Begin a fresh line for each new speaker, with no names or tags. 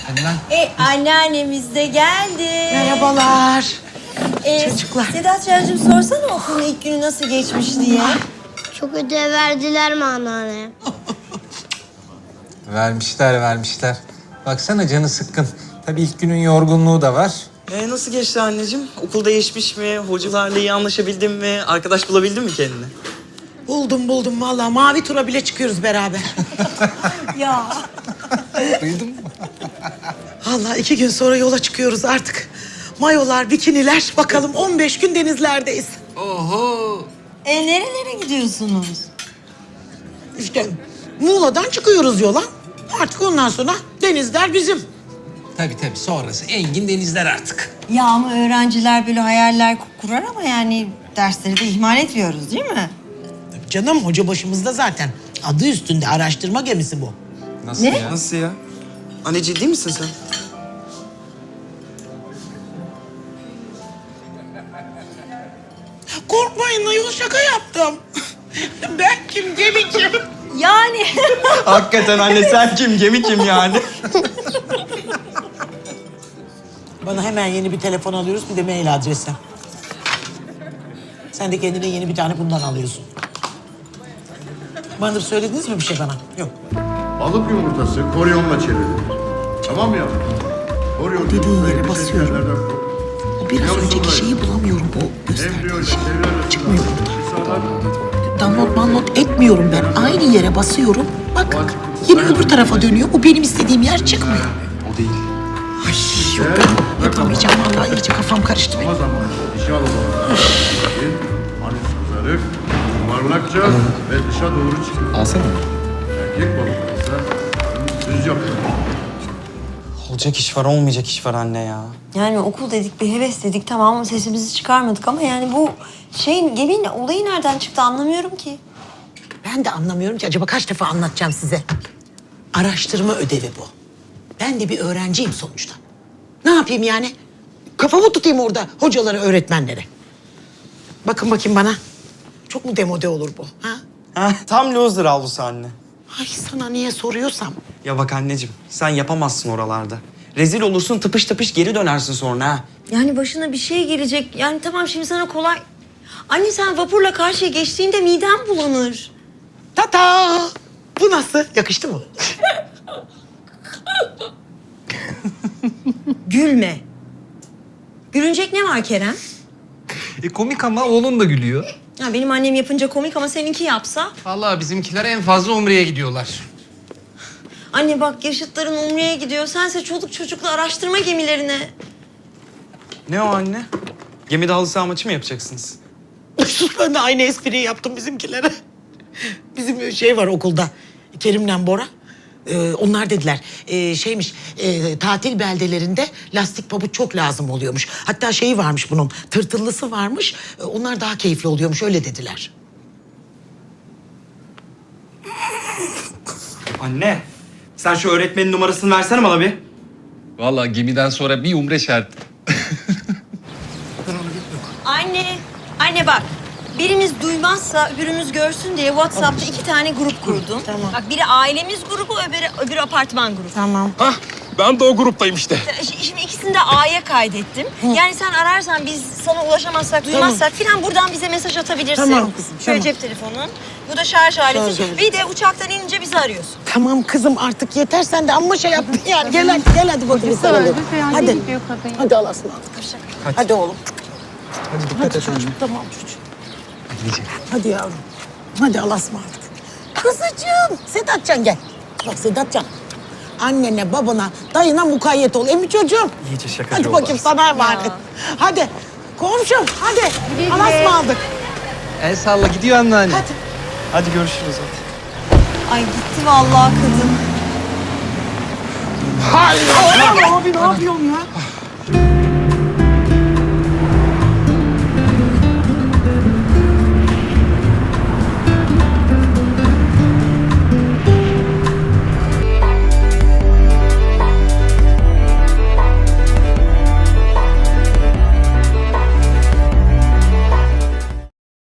Hadi lan.
Anneannemiz de geldi.
Merhabalar. Çocuklar.
Sedatcığım sorsana okulun ilk günü nasıl geçmiş diye.
Çok ödev verdiler mi anneanne?
Vermişler. Baksana canı sıkkın. Tabii ilk günün yorgunluğu da var.
Nasıl geçti anneciğim? Okul değişmiş mi? Hocalarla iyi anlaşabildin mi? Arkadaş bulabildin mi kendine?
Buldum vallahi. Mavi tura bile çıkıyoruz beraber.
Ya.
Duydun mu?
Vallahi 2 gün sonra yola çıkıyoruz artık. Mayolar, bikiniler. Bakalım 15 gün denizlerdeyiz.
Oho.
Nerelere gidiyorsunuz?
İşte Muğla'dan çıkıyoruz yola. Artık ondan sonra denizler bizim.
Tabii sonrası engin denizler artık.
Ya ama öğrenciler böyle hayaller kurar ama yani dersleri de ihmal etmiyoruz değil mi?
Canım hoca başımızda zaten. Adı üstünde araştırma gemisi bu.
Nasıl
Ne?
ya?
Nasıl ya? Anne ciddi misin sen?
Korkmayın ayol şaka yaptım. Ben kim gemi kim?
Yani.
Hakikaten anne sen kim? Gemi kim yani?
Bana hemen yeni bir telefon alıyoruz bir de mail adresi. Sen de kendine yeni bir tane bundan alıyorsun. Bana söylediniz mi bir şey bana? Yok.
Balık yumurtası koryonla çevrilir. Tamam mı yavrum? Koryon
Dediğin
yumurtayı
yere
bir
basıyorum.
şekerlerden koy.
O biraz
Yavrusunlar
önceki şeyi
için.
bulamıyorum bu
Embriyo
gösterdiği
ile
şey.
çevre
Çıkmıyor
arasında
Download etmiyorum ben. Aynı yere basıyorum. Bak yine öbür tarafa dönüyor. Bu benim istediğim yer çıkmıyor.
O değil.
Ay yok ben yapamayacağım vallahi iyice kafam karıştı benim.
Ama zamanı dişi alımlarında anüs kızarık, yuvarlakça ve dışa doğru çıkıyor.
Alsana.
Erkek balıklar ise düz yapıyor.
Olacak iş var, olmayacak iş var anne ya.
Yani okul dedik, bir heves dedik tamam mı sesimizi çıkarmadık ama yani bu geminin olayı nereden çıktı anlamıyorum ki.
Ben de anlamıyorum ki acaba kaç defa anlatacağım size. Araştırma ödevi bu. Ben de bir öğrenciyim sonuçta. Ne yapayım yani? Kafamı tutayım orada hocalara, öğretmenlere. Bakın bakayım bana. Çok mu demode olur bu? Ha?
Tam loser avlusu anne.
Ay sana niye soruyorsam.
Ya bak anneciğim, sen yapamazsın oralarda. Rezil olursun, tıpış tıpış geri dönersin sonra ha.
Yani başına bir şey gelecek. Yani tamam şimdi sana kolay. Anne sen vapurla karşıya geçtiğinde midem bulanır.
Tata! Bu nasıl? Yakıştı mı?
Gülme. Gülünecek ne var Kerem?
Komik ama oğlun da gülüyor.
Ya benim annem yapınca komik ama seninki yapsa.
Vallahi bizimkiler en fazla Umre'ye gidiyorlar.
Anne bak yaşıtların Umre'ye gidiyor. Sense çoluk çocukla araştırma gemilerine.
Ne o anne? Gemide halı saha maçı mı yapacaksınız?
Sus ben de aynı espriyi yaptım bizimkilere. Bizim şey var okulda. Kerim'le Bora. Onlar dediler tatil beldelerinde lastik pabuç çok lazım oluyormuş. Hatta şeyi varmış bunun tırtıllısı varmış. Onlar daha keyifli oluyormuş öyle dediler.
Anne, sen şu öğretmenin numarasını versene bana bir.
Vallahi gemiden sonra bir Umre şart.
Anne bak. Birimiz duymazsa öbürümüz görsün diye WhatsApp'ta 2 tane grup kurdum.
Tamam.
Bak biri ailemiz grubu, öbürü apartman grubu.
Tamam.
Ben de o gruptayım işte.
Şimdi ikisini de A'ya kaydettim. Yani sen ararsan biz sana ulaşamazsak, duymazsak filan buradan bize mesaj atabilirsin.
Tamam kızım,
Şöyle
tamam.
cep telefonun. Bu da şarj aleti.
Şarj aleti.
Bir de uçaktan inince bizi arıyorsun.
Tamam kızım artık yeter sen de amma şey yaptın yani. Gel hadi bakayım sarılalım. Hadi. Hadi Allah'a ısmarladık. Hadi oğlum.
Hadi dikkat et
Çocuğum tamam çocuğum. Hadi yavrum. Hadi Allah'a ısmarladık. Kızıcığım. Sedatcan gel. Bak Sedatcan. Annene, babana, dayına mukayyet ol. Emmi çocuğum.
İyice şakacı
Hadi
oldu.
bakayım sana emanet. Hadi. Komşum hadi. Allah'a ısmarladık.
El salla gidiyor anneanne.
Hadi.
Hadi görüşürüz hadi.
Ay gitti vallahi kadın.
Abi ne yapıyorsun ya?